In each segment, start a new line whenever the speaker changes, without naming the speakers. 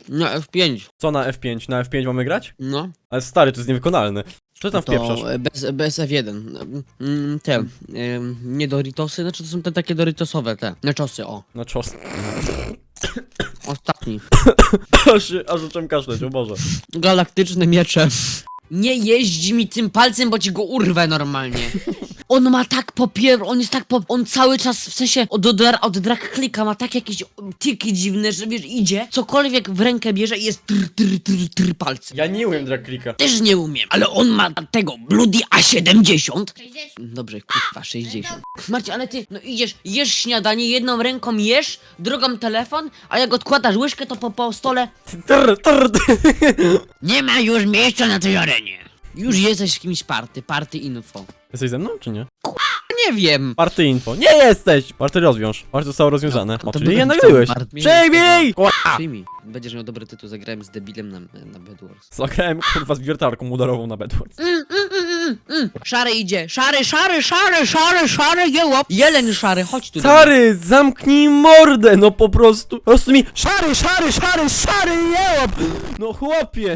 Na F5.
Co na F5? Na F5 mamy grać?
No.
Ale stary, to jest niewykonalne. Co tam wpieprzasz?
To bez F1. Te, nie Doritosy, znaczy to są te takie Doritosowe te. Naczosy, o.
Na czos.
Ostatni.
Aż zacząłem kaszleć, o Boże.
Galaktyczne miecze. Nie jeździ mi tym palcem, bo ci go urwę normalnie. On ma tak on jest tak on cały czas, w sensie od drag klika ma tak jakieś tiki dziwne, że wiesz, idzie, cokolwiek w rękę bierze i jest tr palcem.
Ja nie umiem drag clicka.
Też nie umiem, ale on ma tego Bloody A70. Dobrze, kurwa, 60. Marcie, ale ty, no idziesz, jesz śniadanie, jedną ręką jesz, drugą telefon, a jak odkładasz łyżkę, to po stole nie ma już miejsca na tej arenie. Już jesteś z kimś party info.
Jesteś ze mną, czy nie?
Nie wiem.
Party info. Nie jesteś! Party rozwiąż. Party zostało rozwiązane.
No,
O,
to
czyli je
byłem
nagrywałeś.
w tym
Przejmij!
Przyjmij. Będziesz miał dobry tytuł, zagrałem z debilem na Bedwars.
Zagrałem kurwa z wiertarką udarową na Bedwars.
Szary idzie, szary, jełop. Jeleń szary, chodź tu.
Stary, zamknij mordę, no po prostu mi szary, jełop! No chłopie!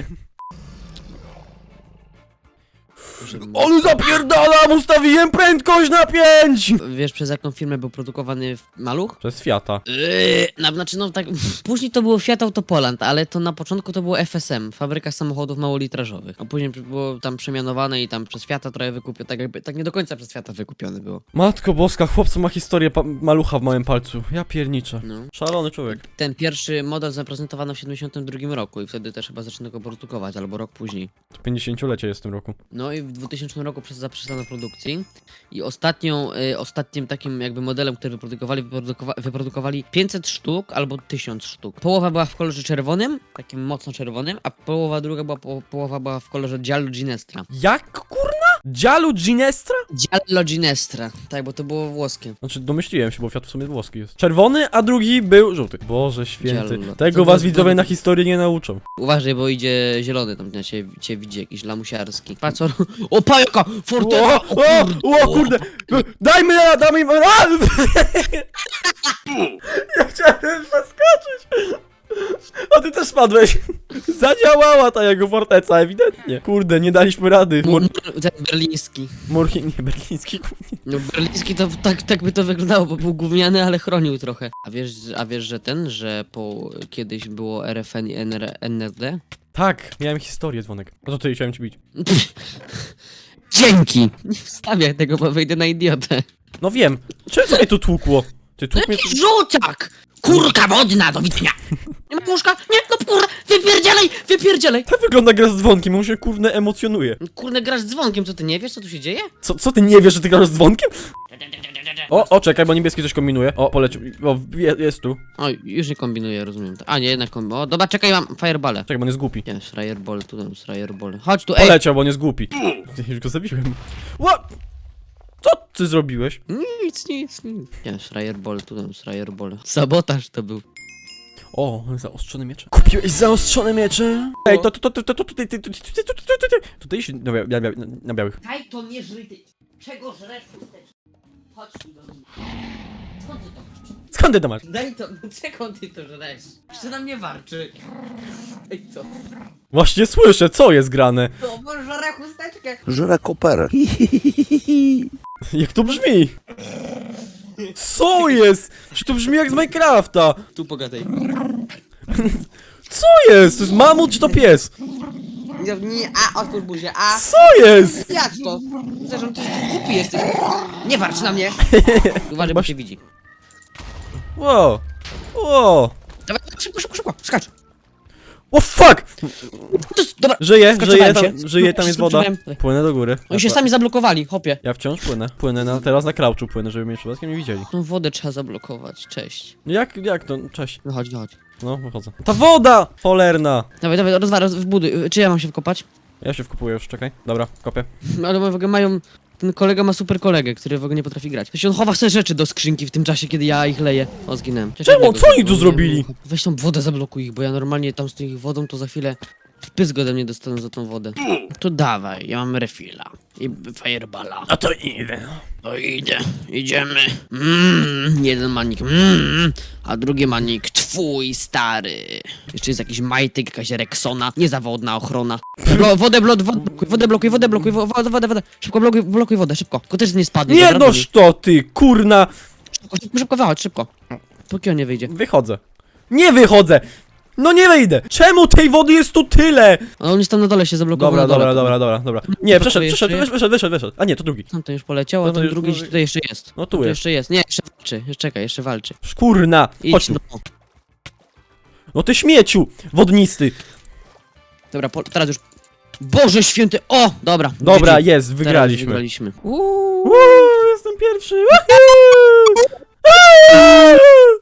On zapierdalam, ustawiłem prędkość na 5!
Wiesz, przez jaką firmę był produkowany maluch?
Przez Fiata.
Znaczy, no tak, później to było Fiat Autopoland, ale to na początku to było FSM, fabryka samochodów małolitrażowych. A później było tam przemianowane i tam przez Fiata trochę wykupione, tak jakby, tak nie do końca przez Fiata wykupione było.
Matko boska, chłopcu ma historię malucha w małym palcu. Ja pierniczę.
No.
Szalony człowiek.
Ten pierwszy model zaprezentowano w 72 roku i wtedy też chyba zaczęto go produkować, albo rok później.
To 50-lecie jest w tym roku.
No i w 2000 roku zaprzestano produkcji i ostatnim takim jakby modelem, który wyprodukowali 500 sztuk albo 1000 sztuk. Połowa była w kolorze czerwonym, takim mocno czerwonym, a połowa druga połowa była w kolorze Giallo Ginestra.
Jak kurna? Giallo Ginestra?
Giallo Ginestra, tak, bo to było włoskie.
Znaczy domyśliłem się, bo Fiat w sumie włoski jest. Czerwony, a drugi był żółty. Boże święty.
Giallo.
Tego
To
was
was
widzowie
będzie-
na historii nie nauczą.
Uważaj, bo idzie zielony tam, cię widzi jakiś lamusiarski. Patrz, o pajaka! Forteca!
O kurde! Dajmy! Ja chciałem zaskoczyć! A ty też spadłeś! Zadziałała ta jego forteca, ewidentnie. Kurde, nie daliśmy rady.
Ten berliński.
Nie, berliński kurde.
No berliński to tak by to wyglądało, bo był gówniany, ale chronił trochę. A wiesz, że kiedyś było RFN i NRD?
Tak, miałem historię, dzwonek. No to ty chciałem ci bić.
Dzięki! Nie wstawiaj tego, bo wyjdę na idiotę.
No wiem. Czego mnie tu tłukło? Ty tłuk mnie tu...
Rzuciak! Kurka wodna, do widzenia! Nie ma łóżka? Nie, no kurwa! Wypierdzielaj!
Tak wygląda gra z dzwonkiem, on się kurde emocjonuje.
Kurde, grasz z dzwonkiem, co ty nie wiesz, co tu się dzieje?
Co ty nie wiesz, że ty grasz z dzwonkiem? O, czekaj, bo niebieski coś kombinuje. O, polecił. O, jest tu.
O, już nie kombinuję, rozumiem. A nie, jednak kombinuję. O, dobra, czekaj, mam fireballę.
Czekaj, bo on jest głupi.
Nie, fireball, tu dam fireball. Chodź tu, ej!
Poleciał, bo on jest głupi. Już go zabiłem. Ła! Co ty zrobiłeś?
Nic. Nie, fireball, tu dam fireball. Sabotaż to był.
O, zaostrzone miecze. Kupiłeś zaostrzone miecze? Ej, tutaj się na białych.
Daj to nie żryj, ty. Czego żresz chusteczkę? Chodź tu do mnie. Skąd ty to masz?
Skąd ty to masz?
Daj to, czego ty to żresz? Jeszcze na mnie warczy. Ej, co?
Właśnie słyszę, co jest grane.
To bo żre chusteczkę.
Żre koperę.
Jak to brzmi? Co jest? Czy to brzmi jak z Minecrafta?
Tu pogadaj.
Co jest? To jest mamut czy to pies?
Nie, otwórz buzię,
Co jest?
jak to? Zresztą ty głupi jesteś. Nie warcz na mnie. Uważaj, bo cię widzi.
Wow. Wow.
Dawaj, szybko, skacz.
O fuck!
Dobra,
Żyje,
Skacowałem się.
tam jest woda.
Skoczyłem.
Płynę do góry.
oni się sami zablokowali, hopie.
Ja wciąż płynę, teraz na crouchu płynę, żeby mnie przypadkiem nie widzieli.
Tą wodę trzeba zablokować, cześć.
Jak to? Cześć.
No chodź.
No, wychodzę. Ta woda! Cholerna!
Dawaj, wbuduj. Czy ja mam się wkopać?
Ja się wkopuję już, czekaj. Dobra, kopię.
Ale w ogóle mają... Ten kolega ma super kolegę, który w ogóle nie potrafi grać. Weź on chowa sobie rzeczy do skrzynki w tym czasie, kiedy ja ich leję. O, zginąłem.
Czemu? Co oni tu zrobili?
Weź tą wodę zablokuj ich, bo ja normalnie tam z tą ich wodą to za chwilę... Wpysk ode mnie dostaną za tą wodę. To dawaj, ja mam refilla. I fireballa.
A to idę.
To idę, idziemy. Jeden manik, a drugi manik twój, stary. Jeszcze jest jakiś majtyk, jakaś Rexona, niezawodna ochrona. Wodę blokuj. Szybko blokuj wodę, szybko. Tylko też nie spadnie.
Nie
dobra?
noż to ty, kurna.
Szybko wychodź, szybko. Póki on nie wyjdzie.
Wychodzę. Nie wychodzę! No nie wyjdę! Czemu tej wody jest tu tyle?
A on jest tam na dole się zablokował.
Dobra. Nie,
Poczekaj,
wyszedł. A nie, to drugi.
Tamten już poleciał, a
No to
ten
już
drugi
drugi.
tutaj jeszcze jest.
No tu
Tu
jest.
jeszcze jest. Nie, jeszcze walczy. Czekaj, jeszcze walczy.
Kurna! Chodź
Idź,
tu.
no.
No ty śmieciu! Wodnisty!
Dobra, teraz już... Boże święty! O! Dobra.
Dobra,
GG.
jest,
Teraz
wygraliśmy.
wygraliśmy.
Uuu, jestem pierwszy! Wahoo!